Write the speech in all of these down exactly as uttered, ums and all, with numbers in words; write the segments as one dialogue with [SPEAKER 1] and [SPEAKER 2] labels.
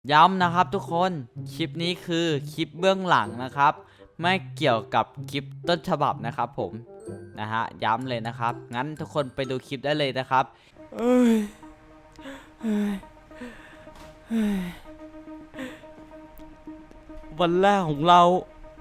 [SPEAKER 1] ย้ำนะครับทุกคนคลิปนี้คือคลิปเบื้องหลังนะครับไม่เกี่ยวกับคลิปต้นฉบับนะครับผมนะฮะย้ำเลยนะครับงั้นทุกคนไปดูคลิปได้เลยนะครับเอ้ยเอ้ยเอ้ยวันแรกของเรา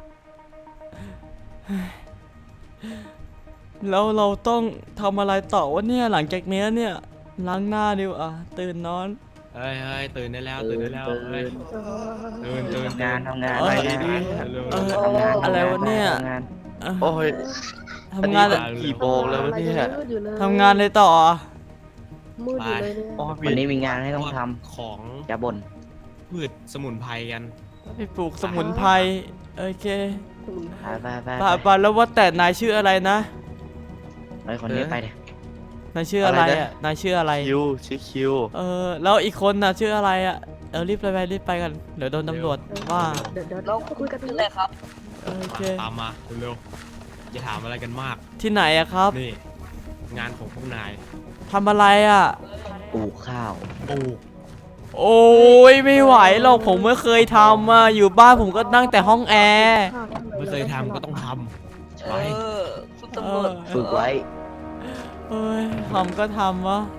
[SPEAKER 1] แล้วเราต้องทำอะไรต่อวะเนี่ยหลังจากนี้เนี่ยล้างหน้าดิวอ่ะตื่นนอน
[SPEAKER 2] เฮ้ยเฮ้ยตื่นได้แล้วตื่นได้แล้วเฮ้ยตื่นตื่น
[SPEAKER 3] ทำงานทำงาน
[SPEAKER 1] เอ้ย
[SPEAKER 3] ทำงาน
[SPEAKER 2] เร็ว
[SPEAKER 1] เออ
[SPEAKER 3] ทำงาน
[SPEAKER 1] อะไรวะเนี่ย
[SPEAKER 3] ทำงาน
[SPEAKER 1] เอ้ย
[SPEAKER 4] โอ้ย
[SPEAKER 1] ทำงาน
[SPEAKER 4] อันนี้มันกี่โมงแล้ววะเนี่ย
[SPEAKER 1] ทำงานเลยต่ออ่ะ
[SPEAKER 5] มืดอยู่เลยเนี่ย
[SPEAKER 4] โอ้ย
[SPEAKER 3] วันนี้มีงานให้ต้องท
[SPEAKER 2] ของ
[SPEAKER 3] ำอย่าบ่น
[SPEAKER 2] พืชสมุนไพรกัน
[SPEAKER 1] ไปปลูกสมุนไพรโอเค
[SPEAKER 3] ไปไปไป
[SPEAKER 1] ป่าป่าแล้วว่าแต่นายชื่ออะไรนะ
[SPEAKER 3] ไปคนนี้ไปเดี๋ย
[SPEAKER 1] นายชื่ออะไรอ่ะนายชื่ออะไร
[SPEAKER 4] คิวชื่อคิว
[SPEAKER 1] เออแล้วอีกคนน่ะชื่ออะไรอ่ะเออรีบไปไปรีบไปกันเดี๋ยวโดนตำรวจว่า
[SPEAKER 5] เดี๋ยวเดี๋ยวเราคุยกันนี่แหละครับ
[SPEAKER 1] เออโอเค
[SPEAKER 2] ตามมาเร็วๆอย่าถามอะไรกันมาก
[SPEAKER 1] ที่ไหนอะครับ
[SPEAKER 2] นี่งานของพวกนาย
[SPEAKER 1] ทำอะไรอ่ะ
[SPEAKER 3] ปลูกข้าว
[SPEAKER 2] ปลูก
[SPEAKER 1] โอ้ยไม่ไหวหรอกผมไม่เคยทำอ่ะอยู่บ้านผมก็นั่งแต่ห้องแอร์
[SPEAKER 2] ไม่เคยทำก็ต้องทำไป
[SPEAKER 5] คุณ
[SPEAKER 1] เอ
[SPEAKER 5] ตำรว
[SPEAKER 1] อ
[SPEAKER 5] จ
[SPEAKER 3] ฝึกไว้
[SPEAKER 1] เอ้ยทำก็ทำวะ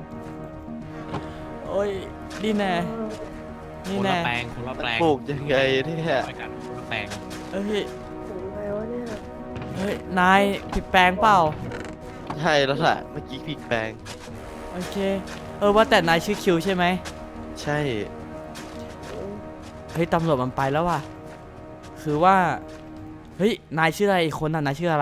[SPEAKER 1] โอ้ยนี่แน่
[SPEAKER 2] ค
[SPEAKER 1] นี่
[SPEAKER 2] นละ
[SPEAKER 1] แน่
[SPEAKER 2] แปลงคนละแปลง
[SPEAKER 4] ปลูกยังไงเนี่ย
[SPEAKER 2] ไปกันคนละแปลง
[SPEAKER 1] เอ้ย
[SPEAKER 5] ถึงไงวะเนี่ย
[SPEAKER 1] เฮ้ยนายผิดแปลงเปล่า
[SPEAKER 4] ใช่แล้วล่ะเมื่อกี้ผิดแปลง
[SPEAKER 1] โอเค เออว่าแต่นายชื่อคิวใช่ไหม
[SPEAKER 4] ใช่
[SPEAKER 1] เฮ้ยตำรวจมันไปแล้วว่ะ คือว่า เฮ้ยนายชื่ออะไรอีกคนน่ะนายชื่ออะไร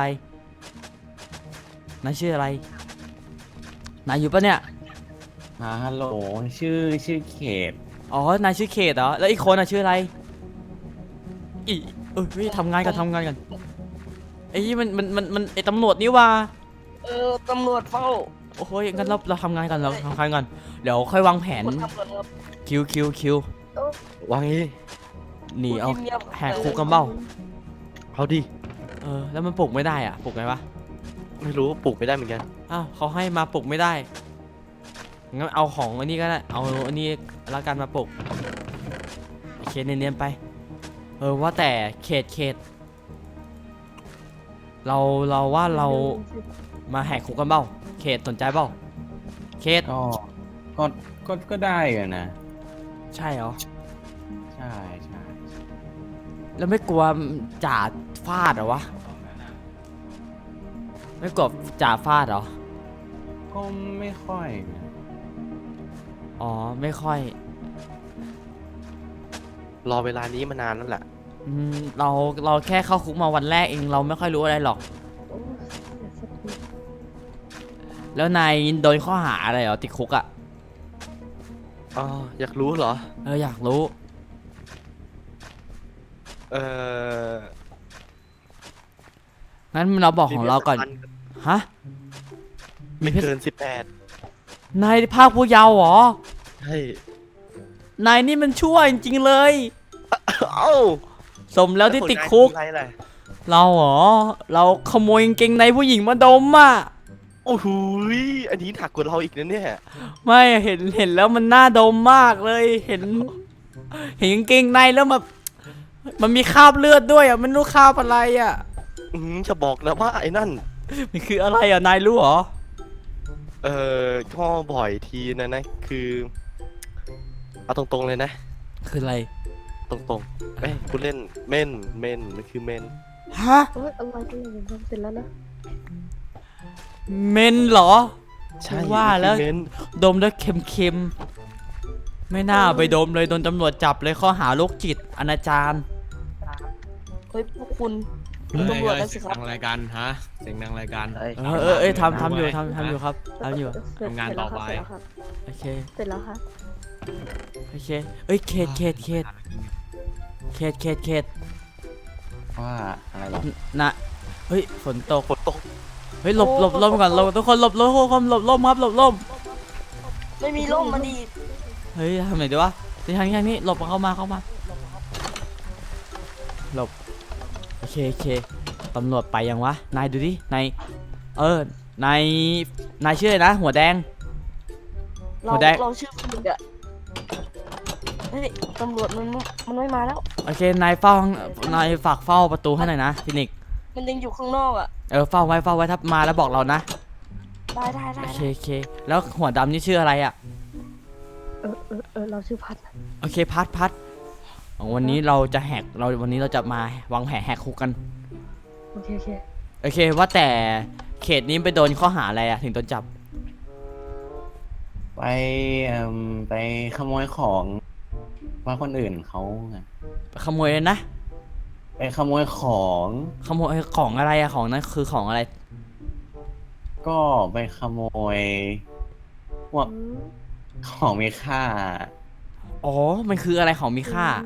[SPEAKER 1] นายชื่ออะไร นายอยู่ปะเนี่ย
[SPEAKER 6] อ่าฮัลโหลชื่อชื่อเขต
[SPEAKER 1] อ๋อ นายชื่อเขตเหรอ แล้วอีกคนน่ะชื่ออะไร อีเออเฮ้ยทำงานกันทำงานกันไอ้ยมันมันมันมันไอ้ตำรวจนี่ว่า
[SPEAKER 5] เออตำรวจเฝ้า
[SPEAKER 1] โอ้โหงั้นเราเราทำงานกันเราทำงานกัน เดี๋ยวค่อยวางแผน
[SPEAKER 5] คนทำกันครับ
[SPEAKER 1] คิวคิวคิว
[SPEAKER 4] วางนี้
[SPEAKER 1] หนีเอา
[SPEAKER 5] คุณงียบๆ
[SPEAKER 1] แหกคุกกันเปล่า
[SPEAKER 4] เอาดิ
[SPEAKER 1] เออ แล้วมันปลุกไม่ได้อ่ะ ปลุกไงวะ
[SPEAKER 4] ไม่รู้ปลูกไม่ได้เหมือนกัน
[SPEAKER 1] อ้าวเขาให้มาปลุกไม่ได้ งั้นเอาของอันนี้ก็ได้ เอาอันนี้ละกันมาปลุกโอเคเนียนๆไป เออว่าแต่เขตเขต เราเราว่าเรามาแหกคุกกันเปล่า เขตสนใจเปล่า เขต
[SPEAKER 6] ก็ก็ก็ก็ได้อะนะ
[SPEAKER 1] ใช่เหรอ
[SPEAKER 6] ใช่ใช่
[SPEAKER 1] แล้วไม่กลัวจ่าฟาดเหรอวะ ไม่กลัวจ่าฟาดเหรอ
[SPEAKER 6] ก็ไม่ค่อยนะ
[SPEAKER 1] อ๋อไม่ค่อย
[SPEAKER 4] รอเวลานี้มานานแล้วแหละ
[SPEAKER 1] อืมเราเราแค่เข้าคุกมาวันแรกเองเราไม่ค่อยรู้อะไรหรอก
[SPEAKER 5] โอ้ยสักที
[SPEAKER 1] แล้วนายโดนข้อหาอะไรเหรอติดคุกอะ่ะ
[SPEAKER 4] อ๋ออยากรู้เหรอ
[SPEAKER 1] เอออยากรู้
[SPEAKER 4] เออ
[SPEAKER 1] งั้นเราบอกของเราก่อน ฮะ
[SPEAKER 4] ไม่เกินสิบแปด
[SPEAKER 1] นายภาคผู้เยาว์เหรอ
[SPEAKER 4] ใช่
[SPEAKER 1] นายนี่มันชั่วจริงๆเลย
[SPEAKER 4] เอ้า
[SPEAKER 1] สมแล้วที่ติดคุก
[SPEAKER 4] อะไรล่ะ
[SPEAKER 1] เราเหรอ เราขโมยกางเกงในผู้หญิงมาดมอ่ะ
[SPEAKER 4] โอ้โหยอันนี้หนักกว่าเราอีกนะเนี่ย
[SPEAKER 1] ไม่เห็นเห็นแล้วมันน่าดมมากเลย เห็น เห็นกางเกงในแล้วแบบมันมีคราบเลือดด้วยอ่ะมันรู้คราบอะไรอ่ะ
[SPEAKER 4] อืมจะบอกนะว่าไอ้นั่น
[SPEAKER 1] มันคืออะไรอ่ะนายรู้เหรอ
[SPEAKER 4] เออก็บ่อยทีนะนะคือเอาตรงๆเลยนะ
[SPEAKER 1] คืออะไร
[SPEAKER 4] ตรงๆเอ้ยคุณเล่นเม่นเม่นมันคือเม่น
[SPEAKER 1] ฮะ
[SPEAKER 5] โอ้ยอะไรกันเนี่ยผมทำเสร็จแล้วนะ
[SPEAKER 1] เมนเหรอ
[SPEAKER 4] ใช่
[SPEAKER 1] ว่าแล้ว
[SPEAKER 4] มันคือเม่น
[SPEAKER 1] ดมแล้วเค็มๆ ไม่น่าไปดมเลยโดนตำรวจจับเลยข้อหาโรคจิตอนาจาร
[SPEAKER 5] เฮ้ยพวกคุณ
[SPEAKER 2] เฮ้ย
[SPEAKER 5] ตำรวจ
[SPEAKER 2] เฮ้
[SPEAKER 5] นะ
[SPEAKER 2] ย
[SPEAKER 5] สิ
[SPEAKER 2] เสียง
[SPEAKER 5] ครับ
[SPEAKER 2] ดังอะไรกันฮะเสียงดังอะไรกัน
[SPEAKER 3] เอ้ย
[SPEAKER 1] เออเออเอ้ยทำทำอยู่ทำทำอยู่ครับทำอยู่
[SPEAKER 5] เสร็จ
[SPEAKER 2] ทำงานต่อไป
[SPEAKER 5] เสร็จแล้วครับ
[SPEAKER 1] โอเค
[SPEAKER 5] เสร็จแล้วครับ
[SPEAKER 1] โอเค เอ้ย เขตเขตเขตเขตเขตเขต
[SPEAKER 6] ว่าอะไรหรอ
[SPEAKER 1] นะเฮ้ย ฝนตก
[SPEAKER 4] ฝนตก
[SPEAKER 1] เฮ้ย หลบหลบล่มก่อนหลบทุกคนหลบหลบทุกคนหลบล่มครับหลบล่ม
[SPEAKER 5] ไม่มีร่มมาดี
[SPEAKER 1] เฮ้ยทำไหนดีวะที่ทางนี้ทางนี้หลบเข้ามาเข้ามาหลบโอเคโอเคตำรวจไปยังวะนายดูดินายเออนายนายชื่ออะไรนะหัวแดง
[SPEAKER 5] เรา
[SPEAKER 1] หัวแดง
[SPEAKER 5] เราชื่อคุณอะ
[SPEAKER 1] ฮ
[SPEAKER 5] ฮ้ยตำรวจมันมันไม่มาแล้ว
[SPEAKER 1] โอเคนายเฝ้านายฝากเฝ้าประตูให้หน่อยนะฟินิกซ์
[SPEAKER 5] มันยังอยู่ข้างนอกอ่ะ
[SPEAKER 1] เออเฝ้าไว้เฝ้าไว้ถ้ามาแล้วบอกเรานะ
[SPEAKER 5] ได้ได้ได้
[SPEAKER 1] โอเคโอเคแล้วหัวดำนี่ชื่ออะไรอ่ะ
[SPEAKER 5] เออเออเออเราชื่อพัด
[SPEAKER 1] โอเคพัดพัดวันนี้เราจะแหกเราวันนี้เราจะมาวางแผนแหกคุกกัน
[SPEAKER 5] โอเคโอเค
[SPEAKER 1] โอเคว่าแต่เขตนี้ไปโดนข้อหาอะไรอะถึงโดนจับ
[SPEAKER 6] ไปเอ่มไปขโมยของว่าคนอื่นเขาไง
[SPEAKER 1] ขโมยเลยนะ
[SPEAKER 6] ไปขโมยของ
[SPEAKER 1] ขโมยของอะไรอะของนั้นคือของอะไร
[SPEAKER 6] ก็ไปขโมยพวก
[SPEAKER 5] อืม
[SPEAKER 6] ของมีค่า
[SPEAKER 1] อ๋อมันคืออะไรของมีค่า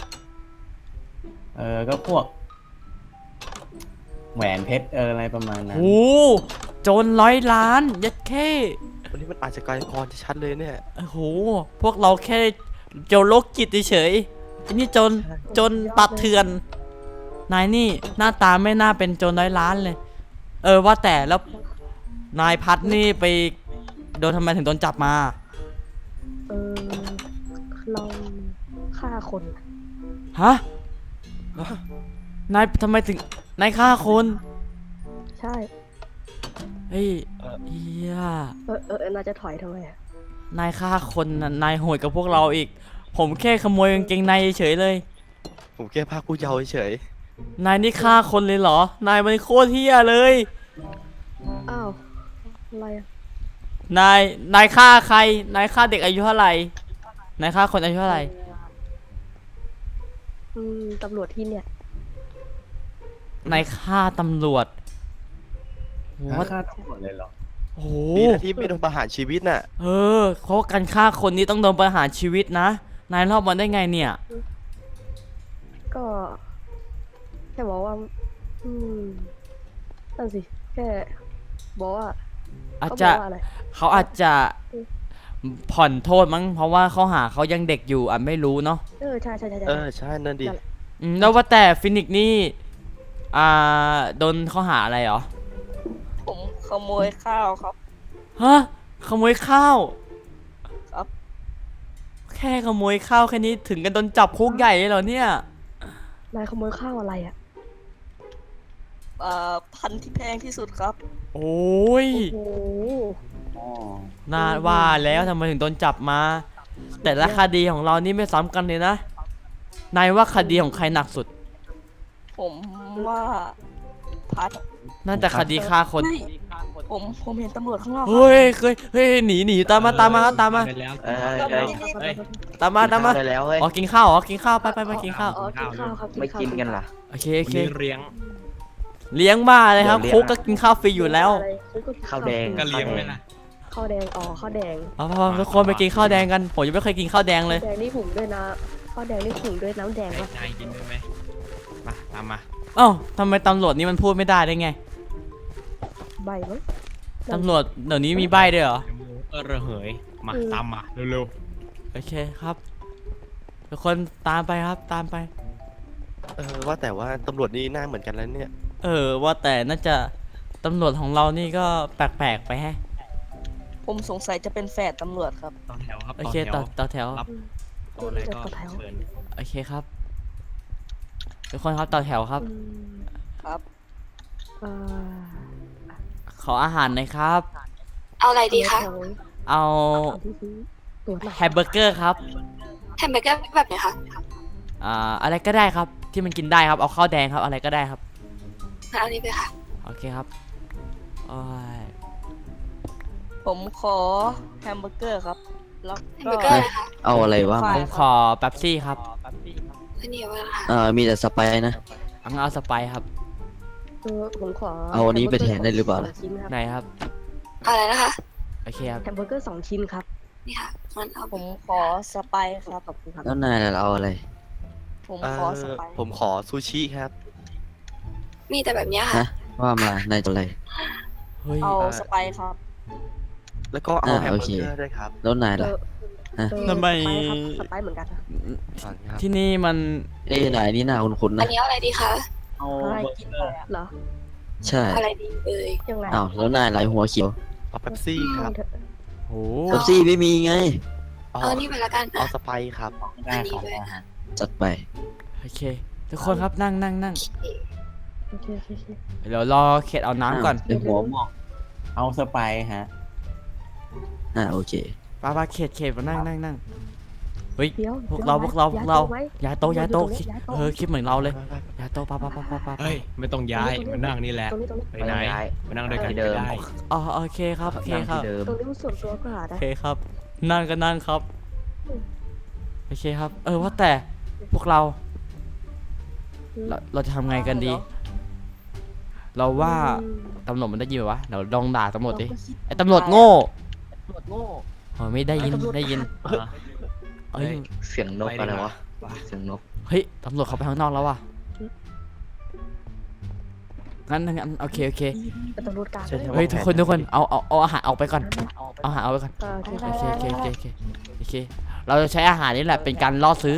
[SPEAKER 6] เออก็พวกแหวนเพชรเอออะไรประมาณนั้น
[SPEAKER 1] โอ้โจรร้อยล้านยัดแค่
[SPEAKER 4] วันนี้มันอาจจะกลายกรชัดๆเลยเนี่ย
[SPEAKER 1] โอ้โหพวกเราแค่โจรโรคจิตเฉยๆอันนี้โจรโจรปัดเถื่อนนายนี่หน้าตาไม่น่าเป็นโจรร้อยล้านเลย เออว่าแต่แล้วนายพัดนี่ไปโดนทำไมถึงโดนจับมา
[SPEAKER 5] เออเราฆ่าคน
[SPEAKER 1] ฮะนายทำไมถึงนายฆ่าคน
[SPEAKER 5] ใช่
[SPEAKER 1] เฮ้ยเฮีย
[SPEAKER 5] เออเออเออน่าจะถอยทำไมอ่ะ
[SPEAKER 1] นายฆ่าคนน่ะนายโหดกับพวกเราอีก ผมแค่ขโมยกางเกงในเฉยๆเลย
[SPEAKER 4] ผมแค่พาผู้เยาว์เฉย
[SPEAKER 1] นายนี่ฆ่าคนเลยเหรอ นายมันโคตรเฮียเลย
[SPEAKER 5] อ้าวอะไรอ่ะ
[SPEAKER 1] นาย นายฆ่าใคร นายฆ่าเด็กอายุเท่าไหร่ นายฆ่าคนอายุเท่าไหร่
[SPEAKER 5] อืมตำรวจที่เนี่ย
[SPEAKER 1] นายฆ่าตำรวจโห
[SPEAKER 6] ว่าค่าทั้งหมดเลยเหรอ
[SPEAKER 1] โอ้โห
[SPEAKER 4] ๆดีนะที่ไม่โดนประหารชีวิตน่ะ
[SPEAKER 1] เออเพราะว่าการฆ่าคนนี้ต้องโดนประหารชีวิตนะ นายรอบมันได้ไงเนี่ย
[SPEAKER 5] ก็แค่บอกว่า อืมนั่นสิแค่บอกว่า
[SPEAKER 1] อาจ
[SPEAKER 5] เขาบ
[SPEAKER 1] จะ
[SPEAKER 5] อกว่าอะไร
[SPEAKER 1] เขาอาจจะผ่อนโทษมั้ง เพราะว่าเขาหาเขายังเด็กอยู่อ่ะไม่รู้เนาะ
[SPEAKER 5] เออใช่ใช่ใช่ใช่
[SPEAKER 4] เออใช่นั่นดิ
[SPEAKER 5] นั่นแหละ
[SPEAKER 1] อืมแล้วว่าแต่ฟินิกซ์นี่ อ่า โดนข้อหาอะไรเหรอ
[SPEAKER 5] ผมขโมยข้าวครับ
[SPEAKER 1] ฮะ ขโมยข้าว
[SPEAKER 5] ครับ
[SPEAKER 1] แค่ขโมยข้าวแค่นี้ถึงกันโดนจับคุกใหญ่เลยเหรอเนี่ย
[SPEAKER 5] นายขโมยข้าวอะไรอ่ะเอ่อพันธุ์ที่แพงที่สุดครับ
[SPEAKER 1] โอ้ย
[SPEAKER 5] โอ้โห
[SPEAKER 6] อ๋อ
[SPEAKER 1] น่าว่าแล้วทำไมถึงโดนจับมา แต่ละคดีของเรานี่ไม่ซ้ำกันเลยนะ นายว่าคดีของใครหนักสุด
[SPEAKER 5] ผมว่าพัด
[SPEAKER 1] น่าจะคดีฆ่าคน
[SPEAKER 5] เฮ้ยผมผมเห็นตำรวจข้างนอกครับ
[SPEAKER 1] เฮ้ยเคยเฮ้ยหนีหนีตามมาตามมาครับตามมา
[SPEAKER 2] ไปแล้ว
[SPEAKER 3] เออเออ
[SPEAKER 2] เฮ้ย
[SPEAKER 1] ตามมาตามมา
[SPEAKER 3] ได้แล้วเฮ้ย
[SPEAKER 1] อ๋อกินข้าวอ๋อกินข้าวไปไปไปกินข้าว
[SPEAKER 5] อ๋อกินข้าวครับ
[SPEAKER 3] ไม่กินกันล่ะ
[SPEAKER 1] โอเค
[SPEAKER 2] วั
[SPEAKER 1] โอน เค
[SPEAKER 2] นี้เลี้ยง
[SPEAKER 1] เลี้ยงบ้าเลยครับ
[SPEAKER 3] เดี๋ยว
[SPEAKER 1] คุก
[SPEAKER 3] เลี้
[SPEAKER 1] ก็
[SPEAKER 3] ยง
[SPEAKER 1] กินข้าวฟรีอยู่แล้ว
[SPEAKER 5] อะไรคุกก็กิน
[SPEAKER 3] ข้าวแดง
[SPEAKER 2] ก็เลี้ยงไว้นะ
[SPEAKER 5] ข้าวแดงอ๋อข้าวแดง
[SPEAKER 1] เอาพอทุกคนไปกินข้าวแดงกัน ผมยังไม่เคยกินข้าวแดงเลย
[SPEAKER 5] แดงนี่หุงด้วยนะข้าวแดงนี่หุงด้วยน้ำแดง
[SPEAKER 2] ให้
[SPEAKER 5] วะ
[SPEAKER 2] นายกินได้ไหมมาตามมา
[SPEAKER 1] เอ้าทำไมตำรวจนี่มันพูดไม่ได้ได้ไง
[SPEAKER 5] ใบมั้ง
[SPEAKER 1] ตำรวจเดี๋ยวนี้มีใบด้วยเหรอ
[SPEAKER 2] เออระเหยมาตามมาเร็ว
[SPEAKER 1] โอเคครับ ทุกคนตามไปครับตามไป
[SPEAKER 4] เออว่าแต่ว่าตำรวจนี่หน้าเหมือนกันแล้วเนี่ย
[SPEAKER 1] เออว่าแต่น่าจะตำรวจของเรานี่ก็แปลกๆไปแฮะ
[SPEAKER 5] ผมสงสัยจะเป็นแฝดตำรวจครับ
[SPEAKER 2] ๆต่อแถวครับ
[SPEAKER 1] โอ
[SPEAKER 2] ต่อ
[SPEAKER 1] เค
[SPEAKER 2] แถว
[SPEAKER 1] ต่อต่อแถว
[SPEAKER 2] รับต่ออะไรก็
[SPEAKER 5] ต่อแถว
[SPEAKER 2] เชิญ
[SPEAKER 1] โอเคครับทุกคนครับต่อแถวครับ
[SPEAKER 5] อืมครับเอ่อ
[SPEAKER 1] ขออาหารหน่อยครับ
[SPEAKER 7] เอาอะไรดีคะ
[SPEAKER 5] แถว
[SPEAKER 1] เอา
[SPEAKER 5] เอาที่ซื้อตัวหน่อย
[SPEAKER 1] แฮมเบอร์เกอร์ครับ
[SPEAKER 7] แฮมเบอร์เกอร์แบบไหนคะ
[SPEAKER 1] อ่าอะไรก็ได้ครับที่มันกินได้ครับเอาข้าวแดงครับอะไรก็ได้ครับ
[SPEAKER 7] เอาอันนี้ไปค่ะ
[SPEAKER 1] โอเคครับโอ้ย
[SPEAKER 5] ผมขอแฮมเบอร์เกอร์ครับ แล้ว
[SPEAKER 7] แฮม
[SPEAKER 5] ก็
[SPEAKER 7] เบอร์เกอร์นะคะ
[SPEAKER 3] เอาอะไรวะ
[SPEAKER 5] ไฟ
[SPEAKER 1] ผมขอเป๊ปซี่ครับ
[SPEAKER 7] อันนี้ว่าค่ะ
[SPEAKER 3] เออมีแต่สไปซ์นะ
[SPEAKER 1] เอางั้นเอาสไปร์ครับ
[SPEAKER 5] เออผมขอ
[SPEAKER 3] เอาอันนี้ไปแทนได้หรือเปล่า
[SPEAKER 5] สองชิ้นครับ
[SPEAKER 1] ไหนครับ
[SPEAKER 7] เอาอะไรนะคะ
[SPEAKER 1] โอเคครับ
[SPEAKER 5] แฮมเบอร์เกอร์สองชิ้นครับ
[SPEAKER 7] นี่ค่ะงั้นเอา
[SPEAKER 5] ผมขอสไปซ์ครับขอบคุณครับ
[SPEAKER 3] แล้วนายล่ะเอาอะไร
[SPEAKER 5] ผม
[SPEAKER 4] เอ
[SPEAKER 5] ขอ
[SPEAKER 4] อ
[SPEAKER 5] สไปซ์
[SPEAKER 4] ผมขอซูชิครับ
[SPEAKER 7] มีแต่แบบเนี้ย
[SPEAKER 3] ฮะ
[SPEAKER 7] ค่ะ
[SPEAKER 3] ว่ามานายจะอะไร
[SPEAKER 1] เฮ้ย
[SPEAKER 5] เอาสไปซ์ครับ
[SPEAKER 4] แล้วก็เอา
[SPEAKER 3] อ่า
[SPEAKER 4] แฮม
[SPEAKER 3] โอ
[SPEAKER 4] เบอ
[SPEAKER 3] เค
[SPEAKER 4] ร์เกอร์ด้วยครับ
[SPEAKER 3] แล้วนาย
[SPEAKER 5] เอ
[SPEAKER 3] ล่ะ
[SPEAKER 5] อ
[SPEAKER 3] ฮะ
[SPEAKER 5] เออ
[SPEAKER 1] ทำไม
[SPEAKER 5] สไปซ์ครับสไปซ์เหมือนกันครับ
[SPEAKER 4] อ่าครับ
[SPEAKER 1] ที่นี่มัน
[SPEAKER 3] เอ้ยนายนี่หน้าคุ้นๆ
[SPEAKER 7] อั
[SPEAKER 3] นะ
[SPEAKER 7] นนี้เอาอะไรดีคะ
[SPEAKER 6] เอา
[SPEAKER 5] อะไร
[SPEAKER 6] เบอร์
[SPEAKER 5] กิน
[SPEAKER 6] เก
[SPEAKER 5] ไป
[SPEAKER 6] อร์
[SPEAKER 5] อะเหรอ
[SPEAKER 3] ใช่
[SPEAKER 7] เอาอะไรดีเอ่ย
[SPEAKER 5] ยังไง
[SPEAKER 3] อ้าวแล้วนายหลายหัวเขียว
[SPEAKER 4] เอาเป๊ปซี่ครับ
[SPEAKER 5] เถอะ
[SPEAKER 1] โห
[SPEAKER 3] เป๊ปซี่ไม่มีไง
[SPEAKER 4] เอา
[SPEAKER 7] เอานี่ไปละกัน
[SPEAKER 4] เอา
[SPEAKER 7] อ่ะ
[SPEAKER 4] สไปร์ครับ
[SPEAKER 6] ได้ครับได้ฮะ
[SPEAKER 3] จัดไป
[SPEAKER 1] โอเค ทุกคนครับนั่งนั่งนั่ง
[SPEAKER 5] โอเคโอเคโอเค
[SPEAKER 1] เดี๋ยวรอเขตเอาน้ำก่อน
[SPEAKER 3] เดี๋ยวหัวหมอก
[SPEAKER 6] เอาสไปร์ฮะ
[SPEAKER 3] อ่าโอเค
[SPEAKER 1] ป้าป้าเขตเขตมานั่งนั่งนั่งเฮ้ย
[SPEAKER 5] เดี๋ยว
[SPEAKER 1] พวกเราพวกเราพวกเรา
[SPEAKER 5] ย้ายโต๊ะไหม
[SPEAKER 1] ย้ายโต๊ะย้ายโต๊ะ
[SPEAKER 5] ย้ายโต๊ะ
[SPEAKER 1] เออคิดเหมือนเราเลยย้ายโต๊ะป้าป้าป้าป้าป้า
[SPEAKER 2] เฮ้ย ไม่ต้องย้ายมานั่งนี่แหละ
[SPEAKER 5] ตรงนี้ตรงนี้
[SPEAKER 2] ไปไหนมานั่งด้วยกัน
[SPEAKER 3] ที่
[SPEAKER 2] ก็
[SPEAKER 3] เดิม
[SPEAKER 2] ได้
[SPEAKER 1] อ๋อโอเคครับโอเค
[SPEAKER 3] นั่ง
[SPEAKER 1] ครั
[SPEAKER 3] ที่
[SPEAKER 1] บ
[SPEAKER 3] เดิม
[SPEAKER 5] ตรงนี้มันส่วนตัวก็หา
[SPEAKER 1] โอ
[SPEAKER 5] ได้
[SPEAKER 1] เคครับ นั่งก็นั่งครับโอเคครับ เออว่าแต่พวกเรา เราเราจะทำไงกันดี เราว่า
[SPEAKER 5] อืม
[SPEAKER 1] ตำรวจมันได้ยินไหมวะเดี๋ยวลองด่าตำรวจดิไอ้ตำรวจโง่เออไม่ได้ยินได้ยินเอ้ย
[SPEAKER 3] เสียงนกอะไรวะ เสียงนก
[SPEAKER 1] เฮ้ยตำรวจเขาไปข้างนอกแล้วว่ะงั้นงั้นโอเคโอเค
[SPEAKER 5] เป็นตำรวจกลาง
[SPEAKER 4] ใช่ใช่
[SPEAKER 1] เฮ้ยทุกคนทุกคนเอาเอาเอาอาหารออกไปก่อนเอาอาหารออกไปก่อน
[SPEAKER 5] อ่าโอเค
[SPEAKER 1] โอเคโอเคโอเคโอเคโอเคเราจะใช้อาหารนี่แหละเป็นการล่อซื้อ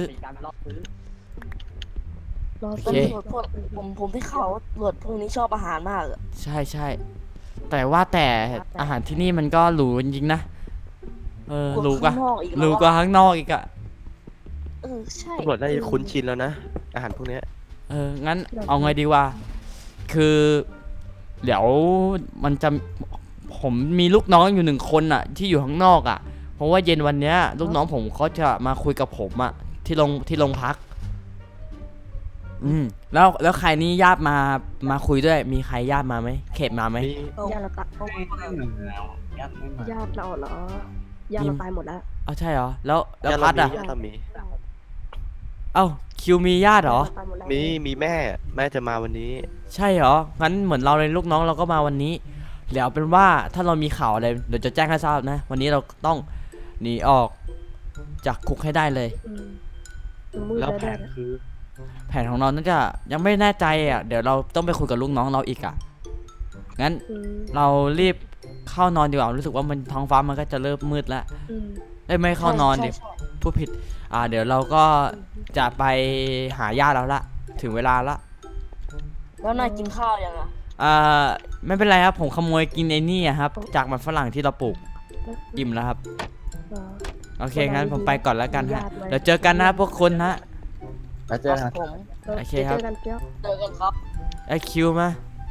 [SPEAKER 5] รอ
[SPEAKER 1] โอ
[SPEAKER 5] สัก
[SPEAKER 1] เค
[SPEAKER 5] หน่อย
[SPEAKER 8] พวกผมผมที่เขาตรวจพวกนี้ชอบอาหารมากอะ
[SPEAKER 1] ใช่ใช่แต่ว่าแต่อาหารที่นี่มันก็หรูจริงๆนะเออหรูกว่า
[SPEAKER 8] ข้างนอกอีก
[SPEAKER 1] หรูกว่าข้างนอกอีกอะ
[SPEAKER 8] เออใช่
[SPEAKER 4] ตำรวจได้คุ้นชินแล้วนะ อาหารพวกเนี้ย
[SPEAKER 1] เอองั้นเอาไงดีวะคือเดี๋ยวมันจะผมมีลูกน้องอยู่หนึ่งคนอะที่อยู่ข้างนอกอะเพราะว่าเย็นวันเนี้ยลูกน้องผมเขาจะมาคุยกับผมอะที่โรงที่โรงพัก อืมแล้วแล้วใครนี่ญาติมามาคุยด้วย มีใครญาติมาไหมเขตมาไหม
[SPEAKER 4] มี
[SPEAKER 5] ญาติเราตะ
[SPEAKER 6] ก็ไม่มาแล้วยัดไม่มา
[SPEAKER 5] ญาติเราเหรอญาติเราตายหมดแล้ว
[SPEAKER 1] เอาใช่เหรอแล้วแล้ว
[SPEAKER 4] ญาติ
[SPEAKER 1] พัด
[SPEAKER 4] เรา
[SPEAKER 1] อ่ะ
[SPEAKER 4] มีญาติเรามี
[SPEAKER 1] เอ้าคิวมีญาติเหรอ
[SPEAKER 5] ตายหมดแล้ว
[SPEAKER 4] มี มีแม่ แม่จะมาวันนี้
[SPEAKER 1] ใช่เหรองั้นเหมือนเราเลยลูกน้องเราก็มาวันนี้เดี๋ยวเป็นว่าถ้าเรามีข่าวอะไรเดี๋ยวจะแจ้งให้ทราบนะ วันนี้เราต้องหนีออกจากคุกให้ได้เลย
[SPEAKER 5] อืมมันมืด
[SPEAKER 4] แล้ว
[SPEAKER 5] แล้ว
[SPEAKER 4] แผ
[SPEAKER 5] ด้วย
[SPEAKER 4] น
[SPEAKER 5] นะ
[SPEAKER 4] คือ
[SPEAKER 1] แผนของเราน่าจะยังไม่แน่ใจอ่ะเดี๋ยวเราต้องไปคุยกับลูกน้องเราอีกอ่ะงั้น
[SPEAKER 5] อืม
[SPEAKER 1] เรารีบเข้านอนดีกว่ารู้สึกว่ามันท้องฟ้ามันก็จะเริ่มมืดแล้ว
[SPEAKER 5] อืม
[SPEAKER 1] ได้ยไม่เข้านอนดิ
[SPEAKER 8] ใช่ใช่
[SPEAKER 1] พูดผิด อ่า เดี๋ยวเราก็จะไปหาญาติแล้วละ ถึงเวลาละ
[SPEAKER 8] แล้วนายกินข้าวยังอะ
[SPEAKER 1] อ่า ไม่เป็นไรครับ ผมขโมยกินไอ้นี่อะครับ จากมันฝรั่งที่เราปลูก อิ่มแล้วครับ
[SPEAKER 5] อ๋อ
[SPEAKER 1] โอเค งั้นผมไปก่อนแล้วกันฮะ
[SPEAKER 5] ญาติไว้
[SPEAKER 1] เดี๋ยวเจอกันนะพวกคุณฮะ
[SPEAKER 6] แล้วเจอกัน
[SPEAKER 8] ผม
[SPEAKER 1] โอเคครับ
[SPEAKER 5] เจอกันเปี้ยว
[SPEAKER 8] เจอกันครับ
[SPEAKER 1] ไอคิวมา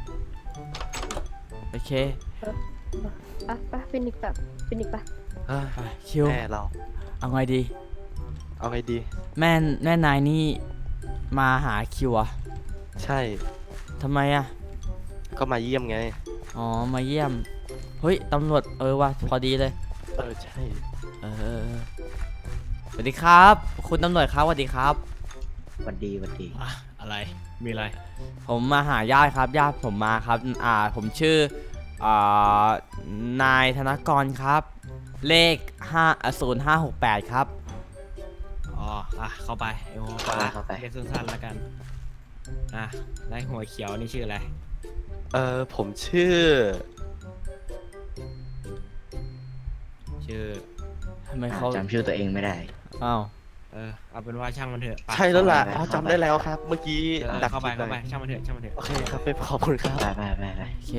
[SPEAKER 1] โอเค
[SPEAKER 5] อ่ะไปฟินิกแบบฟินิกไป
[SPEAKER 4] เอ้ย
[SPEAKER 1] ไปคิว
[SPEAKER 4] แม่เรา
[SPEAKER 1] เอาไงดี
[SPEAKER 4] เอาไงดี
[SPEAKER 1] แม่แม่นายนี่มาหาคิวอะ
[SPEAKER 4] ใช่
[SPEAKER 1] ทำไมอะ
[SPEAKER 4] ก็มาเยี่ยมไง
[SPEAKER 1] อ๋อ มาเยี่ยม เฮ้ย ตำรวจ เออว่ะพอดีเลย
[SPEAKER 4] เออ ใช่
[SPEAKER 1] เออเออเออสวัสดีครับ คุณตำรวจครับสวัสดีครับ
[SPEAKER 3] วันดีวันดี
[SPEAKER 2] อ่ะ อะไร มีอะไร
[SPEAKER 1] ผมมาหาญาติครับญาติผมมาครับอ่าผมชื่ออ่านายธนกรครับ เลขห้าศูนย์ห้าหกแปดครับ
[SPEAKER 2] อ๋อ อ่ะ เข้าไปไอ้หัวฟ้า
[SPEAKER 3] เข้าไป
[SPEAKER 2] เรียกสั้นๆแล้วกัน อ่ะแล้วหัวเขียวนี่ชื่ออะไร
[SPEAKER 4] เออ ผมชื่อ
[SPEAKER 2] ชื่อ
[SPEAKER 1] ทำไมเขา
[SPEAKER 3] จำชื่อตัวเองไม่ได้
[SPEAKER 1] อ้าว
[SPEAKER 2] เออ เอาเป็นว่าช่างมันเถอะไป
[SPEAKER 4] ใช่แล้วล่ะ
[SPEAKER 3] เข้าไป
[SPEAKER 4] อ๋อจำได้แล้วครับ เมื่อกี้
[SPEAKER 2] เออ
[SPEAKER 4] ดัก
[SPEAKER 2] เข้าไป
[SPEAKER 4] ผิด
[SPEAKER 2] เข้าไป
[SPEAKER 4] หน่อย
[SPEAKER 2] ช่างมันเถอะ ช่างมันเถอะ
[SPEAKER 4] โอเคครับไปขอบคุณครับ
[SPEAKER 3] ไปไปไปไป
[SPEAKER 1] โอเค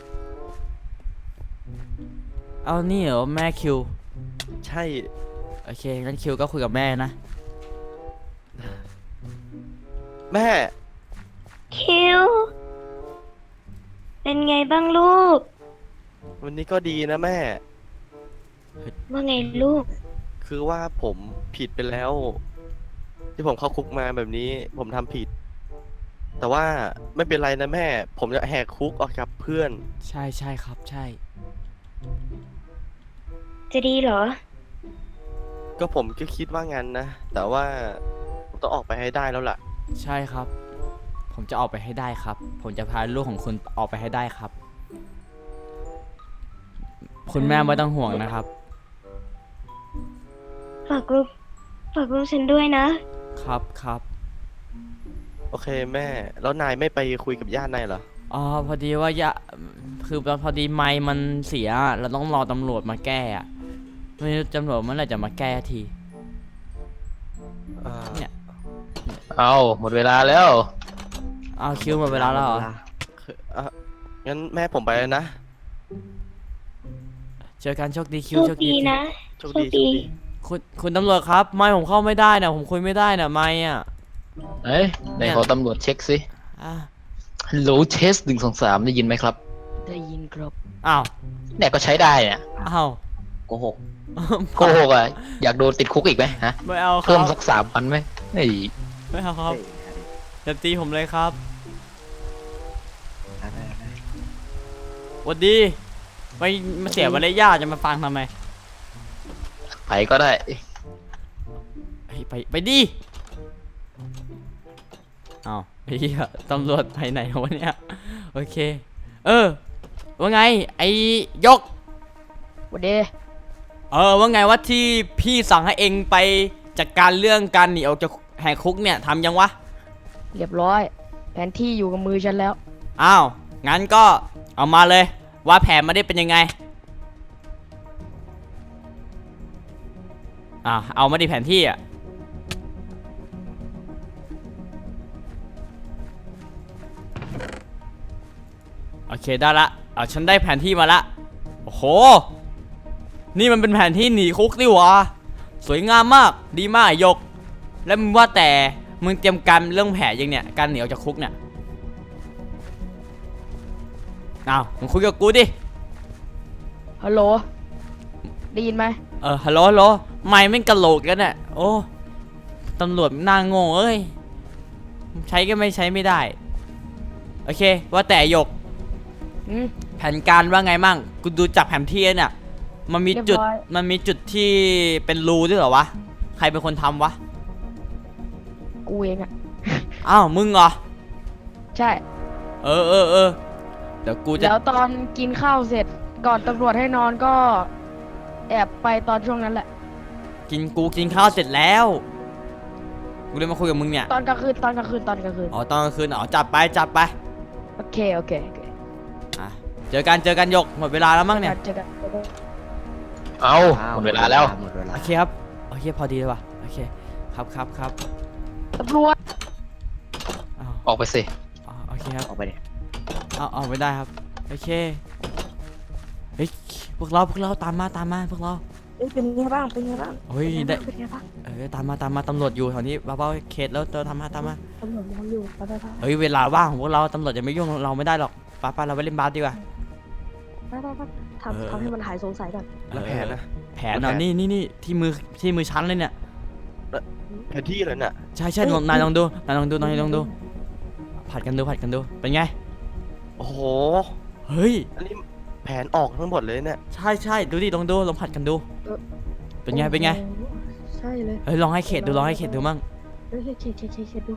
[SPEAKER 1] เอานี่เหรอแม่คิว
[SPEAKER 4] ใช่
[SPEAKER 1] โอเคงั้นคิวก็คุยกับแม่นะ
[SPEAKER 4] แม่
[SPEAKER 9] คิว เป็นไงบ้างลูก
[SPEAKER 4] วันนี้ก็ดีนะแม่
[SPEAKER 9] ว่าไงลูก
[SPEAKER 4] คือว่าผมผิดไปแล้ว ที่ผมเข้าคุกมาแบบนี้ ผมทำผิด แต่ว่าไม่เป็นไรนะแม่ ผมจะแหกคุกออกกับเพื่อน
[SPEAKER 1] ใช่ใช่ครับใช่
[SPEAKER 9] จะดีเหรอ
[SPEAKER 4] ก็ผมก็คิดว่างั้นนะ แต่ว่าผมต้องออกไปให้ได้แล้วล่ะ
[SPEAKER 1] ใช่ครับ ผมจะออกไปให้ได้ครับ ผมจะพาลูกของคุณออกไปให้ได้ครับ คุณแม่ไม่ต้องห่วงนะครับ
[SPEAKER 9] ฝากลูก ฝากลูกฉันด้วยนะ
[SPEAKER 1] ครับครับ
[SPEAKER 4] โอเคแม่ แล้วนายไม่ไปคุยกับญาตินายเหรอ
[SPEAKER 1] อ๋อพอดีว่ายะคือพอดีไมค์มันเสียเราต้องรอตำรวจมาแก้อะไม่รู้ตำรวจเมื่อไหร่จะมาแก้ที
[SPEAKER 4] เอ่อ
[SPEAKER 1] เนี่ย
[SPEAKER 10] เอาหมดเวลาแล้ว
[SPEAKER 1] เอาคิวหมดเวลาแล้วเหรอ
[SPEAKER 4] คือเอ่องั้นแม่ผมไปแล้วนะ
[SPEAKER 1] เจอกันโชคดีคิ
[SPEAKER 9] โช
[SPEAKER 1] ว
[SPEAKER 9] ค
[SPEAKER 1] โชคดี
[SPEAKER 9] ดีนะ
[SPEAKER 4] โชคดีโชคดี
[SPEAKER 1] คคุณคุณตำรวจครับ ไม่ผมเข้าไม่ได้นะผมคุยไม่ได้นะไม่อ่ะ
[SPEAKER 10] เอ้ยไหนขอตำรวจเช็คสิ
[SPEAKER 1] อ่ะ
[SPEAKER 10] ฮัลโหลเทสหนึ่งสองสามได้ยินไหมครับ
[SPEAKER 8] ได้ยินครับ
[SPEAKER 1] อ้าว
[SPEAKER 10] เนี่ยก็ใช้ได้เนี่ย
[SPEAKER 1] อ้าว
[SPEAKER 3] โกหก
[SPEAKER 10] โกหกอ่ะ อยากโดนติดคุกอีกไหมฮะ
[SPEAKER 1] ไม่เอาค
[SPEAKER 10] เพิ่
[SPEAKER 1] รั
[SPEAKER 10] ม
[SPEAKER 1] บ
[SPEAKER 10] สักสามพันไหมเฮ้ย
[SPEAKER 1] ไม่เอาครับอย่าตีผมเลยครับ
[SPEAKER 3] ได้ได้ได้
[SPEAKER 1] หวัดดีไม่มาเสียมารยาทจะมาฟังทำไม
[SPEAKER 10] ไปก็ได้
[SPEAKER 1] ไปไปไปดิอ้าวไอ้เหี้ยตำรวจไปไหนวะเนี่ยโอเค เออว่าไงไอ้ยก
[SPEAKER 8] วันเดย์
[SPEAKER 1] เออว่าไงว่าที่พี่สั่งให้เองไปจัดการเรื่องการหนีออกจากแหกคุกเนี่ยทำยังวะ
[SPEAKER 8] เรียบร้อย แผนที่อยู่กับมือฉันแล้ว
[SPEAKER 1] อ้าวงั้นก็เอามาเลยว่าแผนมาได้เป็นยังไงอ่าเอามาดิแผนที่อ่ะโอเคได้ละเอาฉันได้แผนที่มาละโอ้โหนี่มันเป็นแผนที่หนีคุกดิวะสวยงามมากดีมากไอ้ยก แล้วมึงว่าแต่มึงเตรียมการเรื่องแผนยังเนี่ยการหนีออกจากคุกเนี่ยอ้าวมึงคุยกับกูดิ
[SPEAKER 8] ฮัลโหล ได้ยินไหม
[SPEAKER 1] เออฮัลโหลฮัลโหลไม่ไม่งกะโหลกกันน่ะโอ้ตำรวจน่าโง่เอ้ยใช้ก็ไม่ใช้ไม่ได้โอเคว่าแต่หยก
[SPEAKER 8] อืม
[SPEAKER 1] แผนการว่าไงมั่งกูดูจากแผนที่เนี่ยมันมีจุด
[SPEAKER 8] เรียบร้อย
[SPEAKER 1] มันมีจุดที่เป็นรูด้วยเหรอวะใครเป็นคนทำวะ
[SPEAKER 8] กูเองอะ
[SPEAKER 1] อ้าวมึงเหรอ
[SPEAKER 8] ใช่
[SPEAKER 1] เออเออเออเดี๋ยวกูจะ
[SPEAKER 8] แล้วตอนกินข้าวเสร็จ ก่อนตำรวจให้นอนก็ แอบไปตอนช่วงนั้นแหละ
[SPEAKER 1] กินกูกินข้าวเสร็จแล้วกูเลยมาคุยกับมึงเนี่ย
[SPEAKER 8] ตอนกลางคืน ตอนกลางคืน ตอนกลางคืน
[SPEAKER 1] อ๋อตอนกลางคืนอ๋อจับไปจับไป
[SPEAKER 8] โอเค โอเค โอเค
[SPEAKER 1] อ่ะเจอกันเจอกันหยกหมดเวลาแล้วมั้งเนี่ย
[SPEAKER 8] เจอกันเจอกัน
[SPEAKER 10] เอา
[SPEAKER 3] อ้
[SPEAKER 10] หมดเวลาแล้ว
[SPEAKER 3] หมดเวลา
[SPEAKER 1] โอเคครับโอเคพอดีเลยว่ะโอเคครับครับครับ
[SPEAKER 8] ตำรวจ
[SPEAKER 1] อ้าว
[SPEAKER 10] ออกไปสิ
[SPEAKER 1] อ๋อโอเคครับ
[SPEAKER 3] ออกไปดิ
[SPEAKER 1] เอาเอาไม่ได้ครับโอเคเฮ้ยพวกเราพวกเราตามมาตามมาพวกเรา
[SPEAKER 8] เอ้ยเป็นไงบ้าง เป็นไงบ้าง
[SPEAKER 1] เฮ้ยได้
[SPEAKER 8] เป็นไงบ้าง
[SPEAKER 1] เออตามมาตามมาตำรวจอยู่แถวนี้เบาๆเขตแล้วเราทำมาตามมา
[SPEAKER 8] ตำรวจมองอยู่ไปไปไป
[SPEAKER 1] เฮ้ยเวลาว่างของพวกเราตำรวจจะไม่ยุ่งเราไม่ได้หรอกป้าป้าเราไปเล่นบาสดีกว่า
[SPEAKER 5] ไปไปไป
[SPEAKER 1] เออ
[SPEAKER 5] ทำทำให้มันหายสงสัยก่อน
[SPEAKER 4] แล้วแผนนะ
[SPEAKER 1] แผนเอานี่นี่นี่ที่มือที่มือชั้นเลยเนี่ย
[SPEAKER 4] แผนที่เลยน่ะ
[SPEAKER 1] ใช่ใช่ลองนายลองดูนายลองดูนายลองดูผัดกันดูผัดกันดูเป็นไง
[SPEAKER 4] โอ้โห
[SPEAKER 1] เฮ้ย
[SPEAKER 4] อันนี้แผนออกทั้งหมดเลยเนี่ย
[SPEAKER 1] ใช่ใช่ดูดิลองดูลองผัดกันดู เป็นไงเป็นไง
[SPEAKER 5] โอ้โหใช่เลย
[SPEAKER 1] เฮ้ยลองให้เขตดูลองให้เขตดูมั่ง
[SPEAKER 5] เฮ้ยเขตเขตเขตเขตดู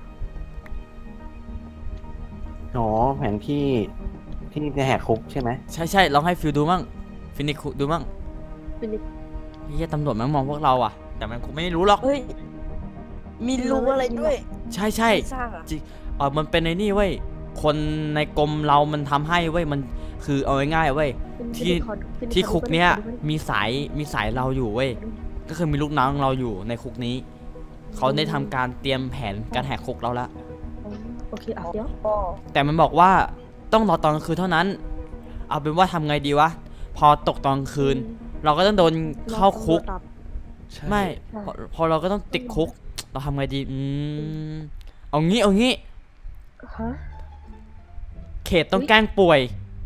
[SPEAKER 6] อ๋อแผนที่ที่จะแหกคุกใช่ไหม
[SPEAKER 1] ใช่ใช่ลองให้ฟิลดูมั่งฟินิกดูมั่ง
[SPEAKER 5] เป็นอีก
[SPEAKER 1] เฮียตำรวจมันมองพวกเราอ่ะ แต่มันคงไม่รู้หรอก
[SPEAKER 8] เฮ้ย มีรูอะไรด้วย
[SPEAKER 1] ใช่ใช่
[SPEAKER 8] ใครสร้างอะ
[SPEAKER 1] เออมันเป็นในนี่เว้ยคนในกรมเรามันทำให้เว้ยมันคือเอาง่ายๆเว้ย
[SPEAKER 5] เป็น
[SPEAKER 1] ที่
[SPEAKER 5] เป็นขอเป็น
[SPEAKER 1] ที่
[SPEAKER 5] ขอดู
[SPEAKER 1] คุกเนี้ย
[SPEAKER 5] ขอดู
[SPEAKER 1] มีสายมีสายเราอยู่เว้ยก็คือมีลูกน้องเราอยู่ในคุกนี้เขาได้ทำการเตรียมแผนการแหกคุกเราละ
[SPEAKER 5] อ๋อโอเคอ่ะเดี๋ยว
[SPEAKER 8] อ๋อ
[SPEAKER 1] แต่มันบอกว่าต้องรอตอนกลางคืนเท่านั้น เอาเป็นว่าทำไงดีวะพอตกตอนกลางคืน เราก็ต้องโดนเข้าคุก
[SPEAKER 5] รอตำรวจตับ
[SPEAKER 4] ใช่
[SPEAKER 1] ไม่พอพอเราก็ต้องติดคุก เราทำไงดีอืมเอางี้เอางี้
[SPEAKER 5] ฮะ
[SPEAKER 1] เขตต้องแกล้งป่วย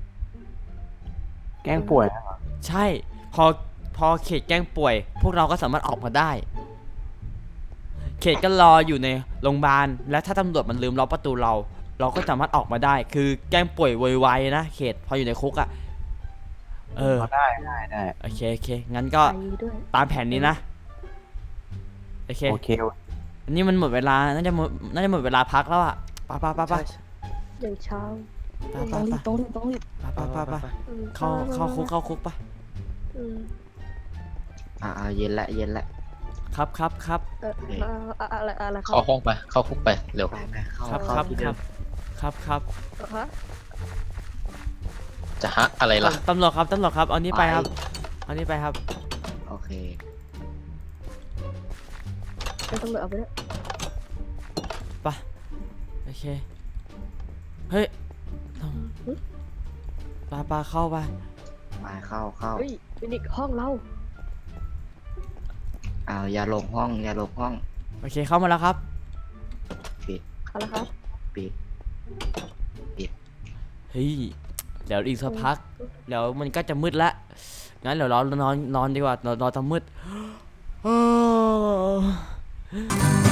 [SPEAKER 6] แกล้งป่วย
[SPEAKER 1] ใช่พอพอเขตแกล้งป่วย พวกเราก็สามารถออกมาได้ เขตก็รออยู่ในโรงพยาบาลและถ้าตำรวจมันลืมล็อกประตูเรา เราก็สามารถออกมาได้ คือแกล้งป่วยไวๆนะเขตพออยู่ในคุกอะ่ะเออ
[SPEAKER 6] ได้ได้ได้
[SPEAKER 1] โอเคโอเคงั้นก็
[SPEAKER 5] ไปด้วย
[SPEAKER 1] ตามแผนนี้นะโอเค
[SPEAKER 6] โอเค
[SPEAKER 1] อันนี้มันหมดเวลาน่าจะหมดน่าจะหมดเวลาพักแล้วอะไป้าป้าป้าป้า
[SPEAKER 4] ใช่
[SPEAKER 5] อย่างเช้า
[SPEAKER 1] ป้า
[SPEAKER 8] ต้
[SPEAKER 1] ป้า
[SPEAKER 8] องรี
[SPEAKER 1] ป้า
[SPEAKER 8] บต้องรีบต้องรีบ
[SPEAKER 1] ป้าป้าป้า
[SPEAKER 5] อืม
[SPEAKER 1] เข้าเข้าคุกเข้าคุกปะ
[SPEAKER 5] อืม
[SPEAKER 3] อ่าอ่าเย็นละเย็นละ
[SPEAKER 1] ครับครับครับ
[SPEAKER 5] เออเอ่ออะอะไรอะไรครั
[SPEAKER 10] เข้าห้องไป เข้าคุกไป เร็ว
[SPEAKER 3] ไปไปเข้า
[SPEAKER 1] ครับ
[SPEAKER 3] เข้า
[SPEAKER 1] ครับ
[SPEAKER 3] ที่
[SPEAKER 1] ค
[SPEAKER 3] เดิ
[SPEAKER 1] รั
[SPEAKER 3] ม
[SPEAKER 1] บครับครับ
[SPEAKER 5] ฮะ
[SPEAKER 10] จะฮะอะไรล่ะ
[SPEAKER 1] ตำรวจครับตำรวจครับเอานี้ไปครับเอานี้ไปครับ
[SPEAKER 3] โอเค
[SPEAKER 5] เอาตำรวจเอาไปด้วย
[SPEAKER 1] ไปโอเคเฮ้ยปาปาเข้าไป
[SPEAKER 3] ไปเข้าเข้า
[SPEAKER 5] เฮ้ยเป็นอีกห้องเรา
[SPEAKER 3] อ้าวอย่าหลงห้อง อย่าหลงห้อง
[SPEAKER 1] โอเคเข้ามาแล้วครับ
[SPEAKER 3] ปิด
[SPEAKER 5] เอาละครับ
[SPEAKER 3] ปิด
[SPEAKER 1] เฮ้ยเดี๋ยวอีกสักพักเดี๋ยวมันก็จะมืดละงั้นเดี๋ยวเรานอนนอนดีกว่านอนนอนตอนมืด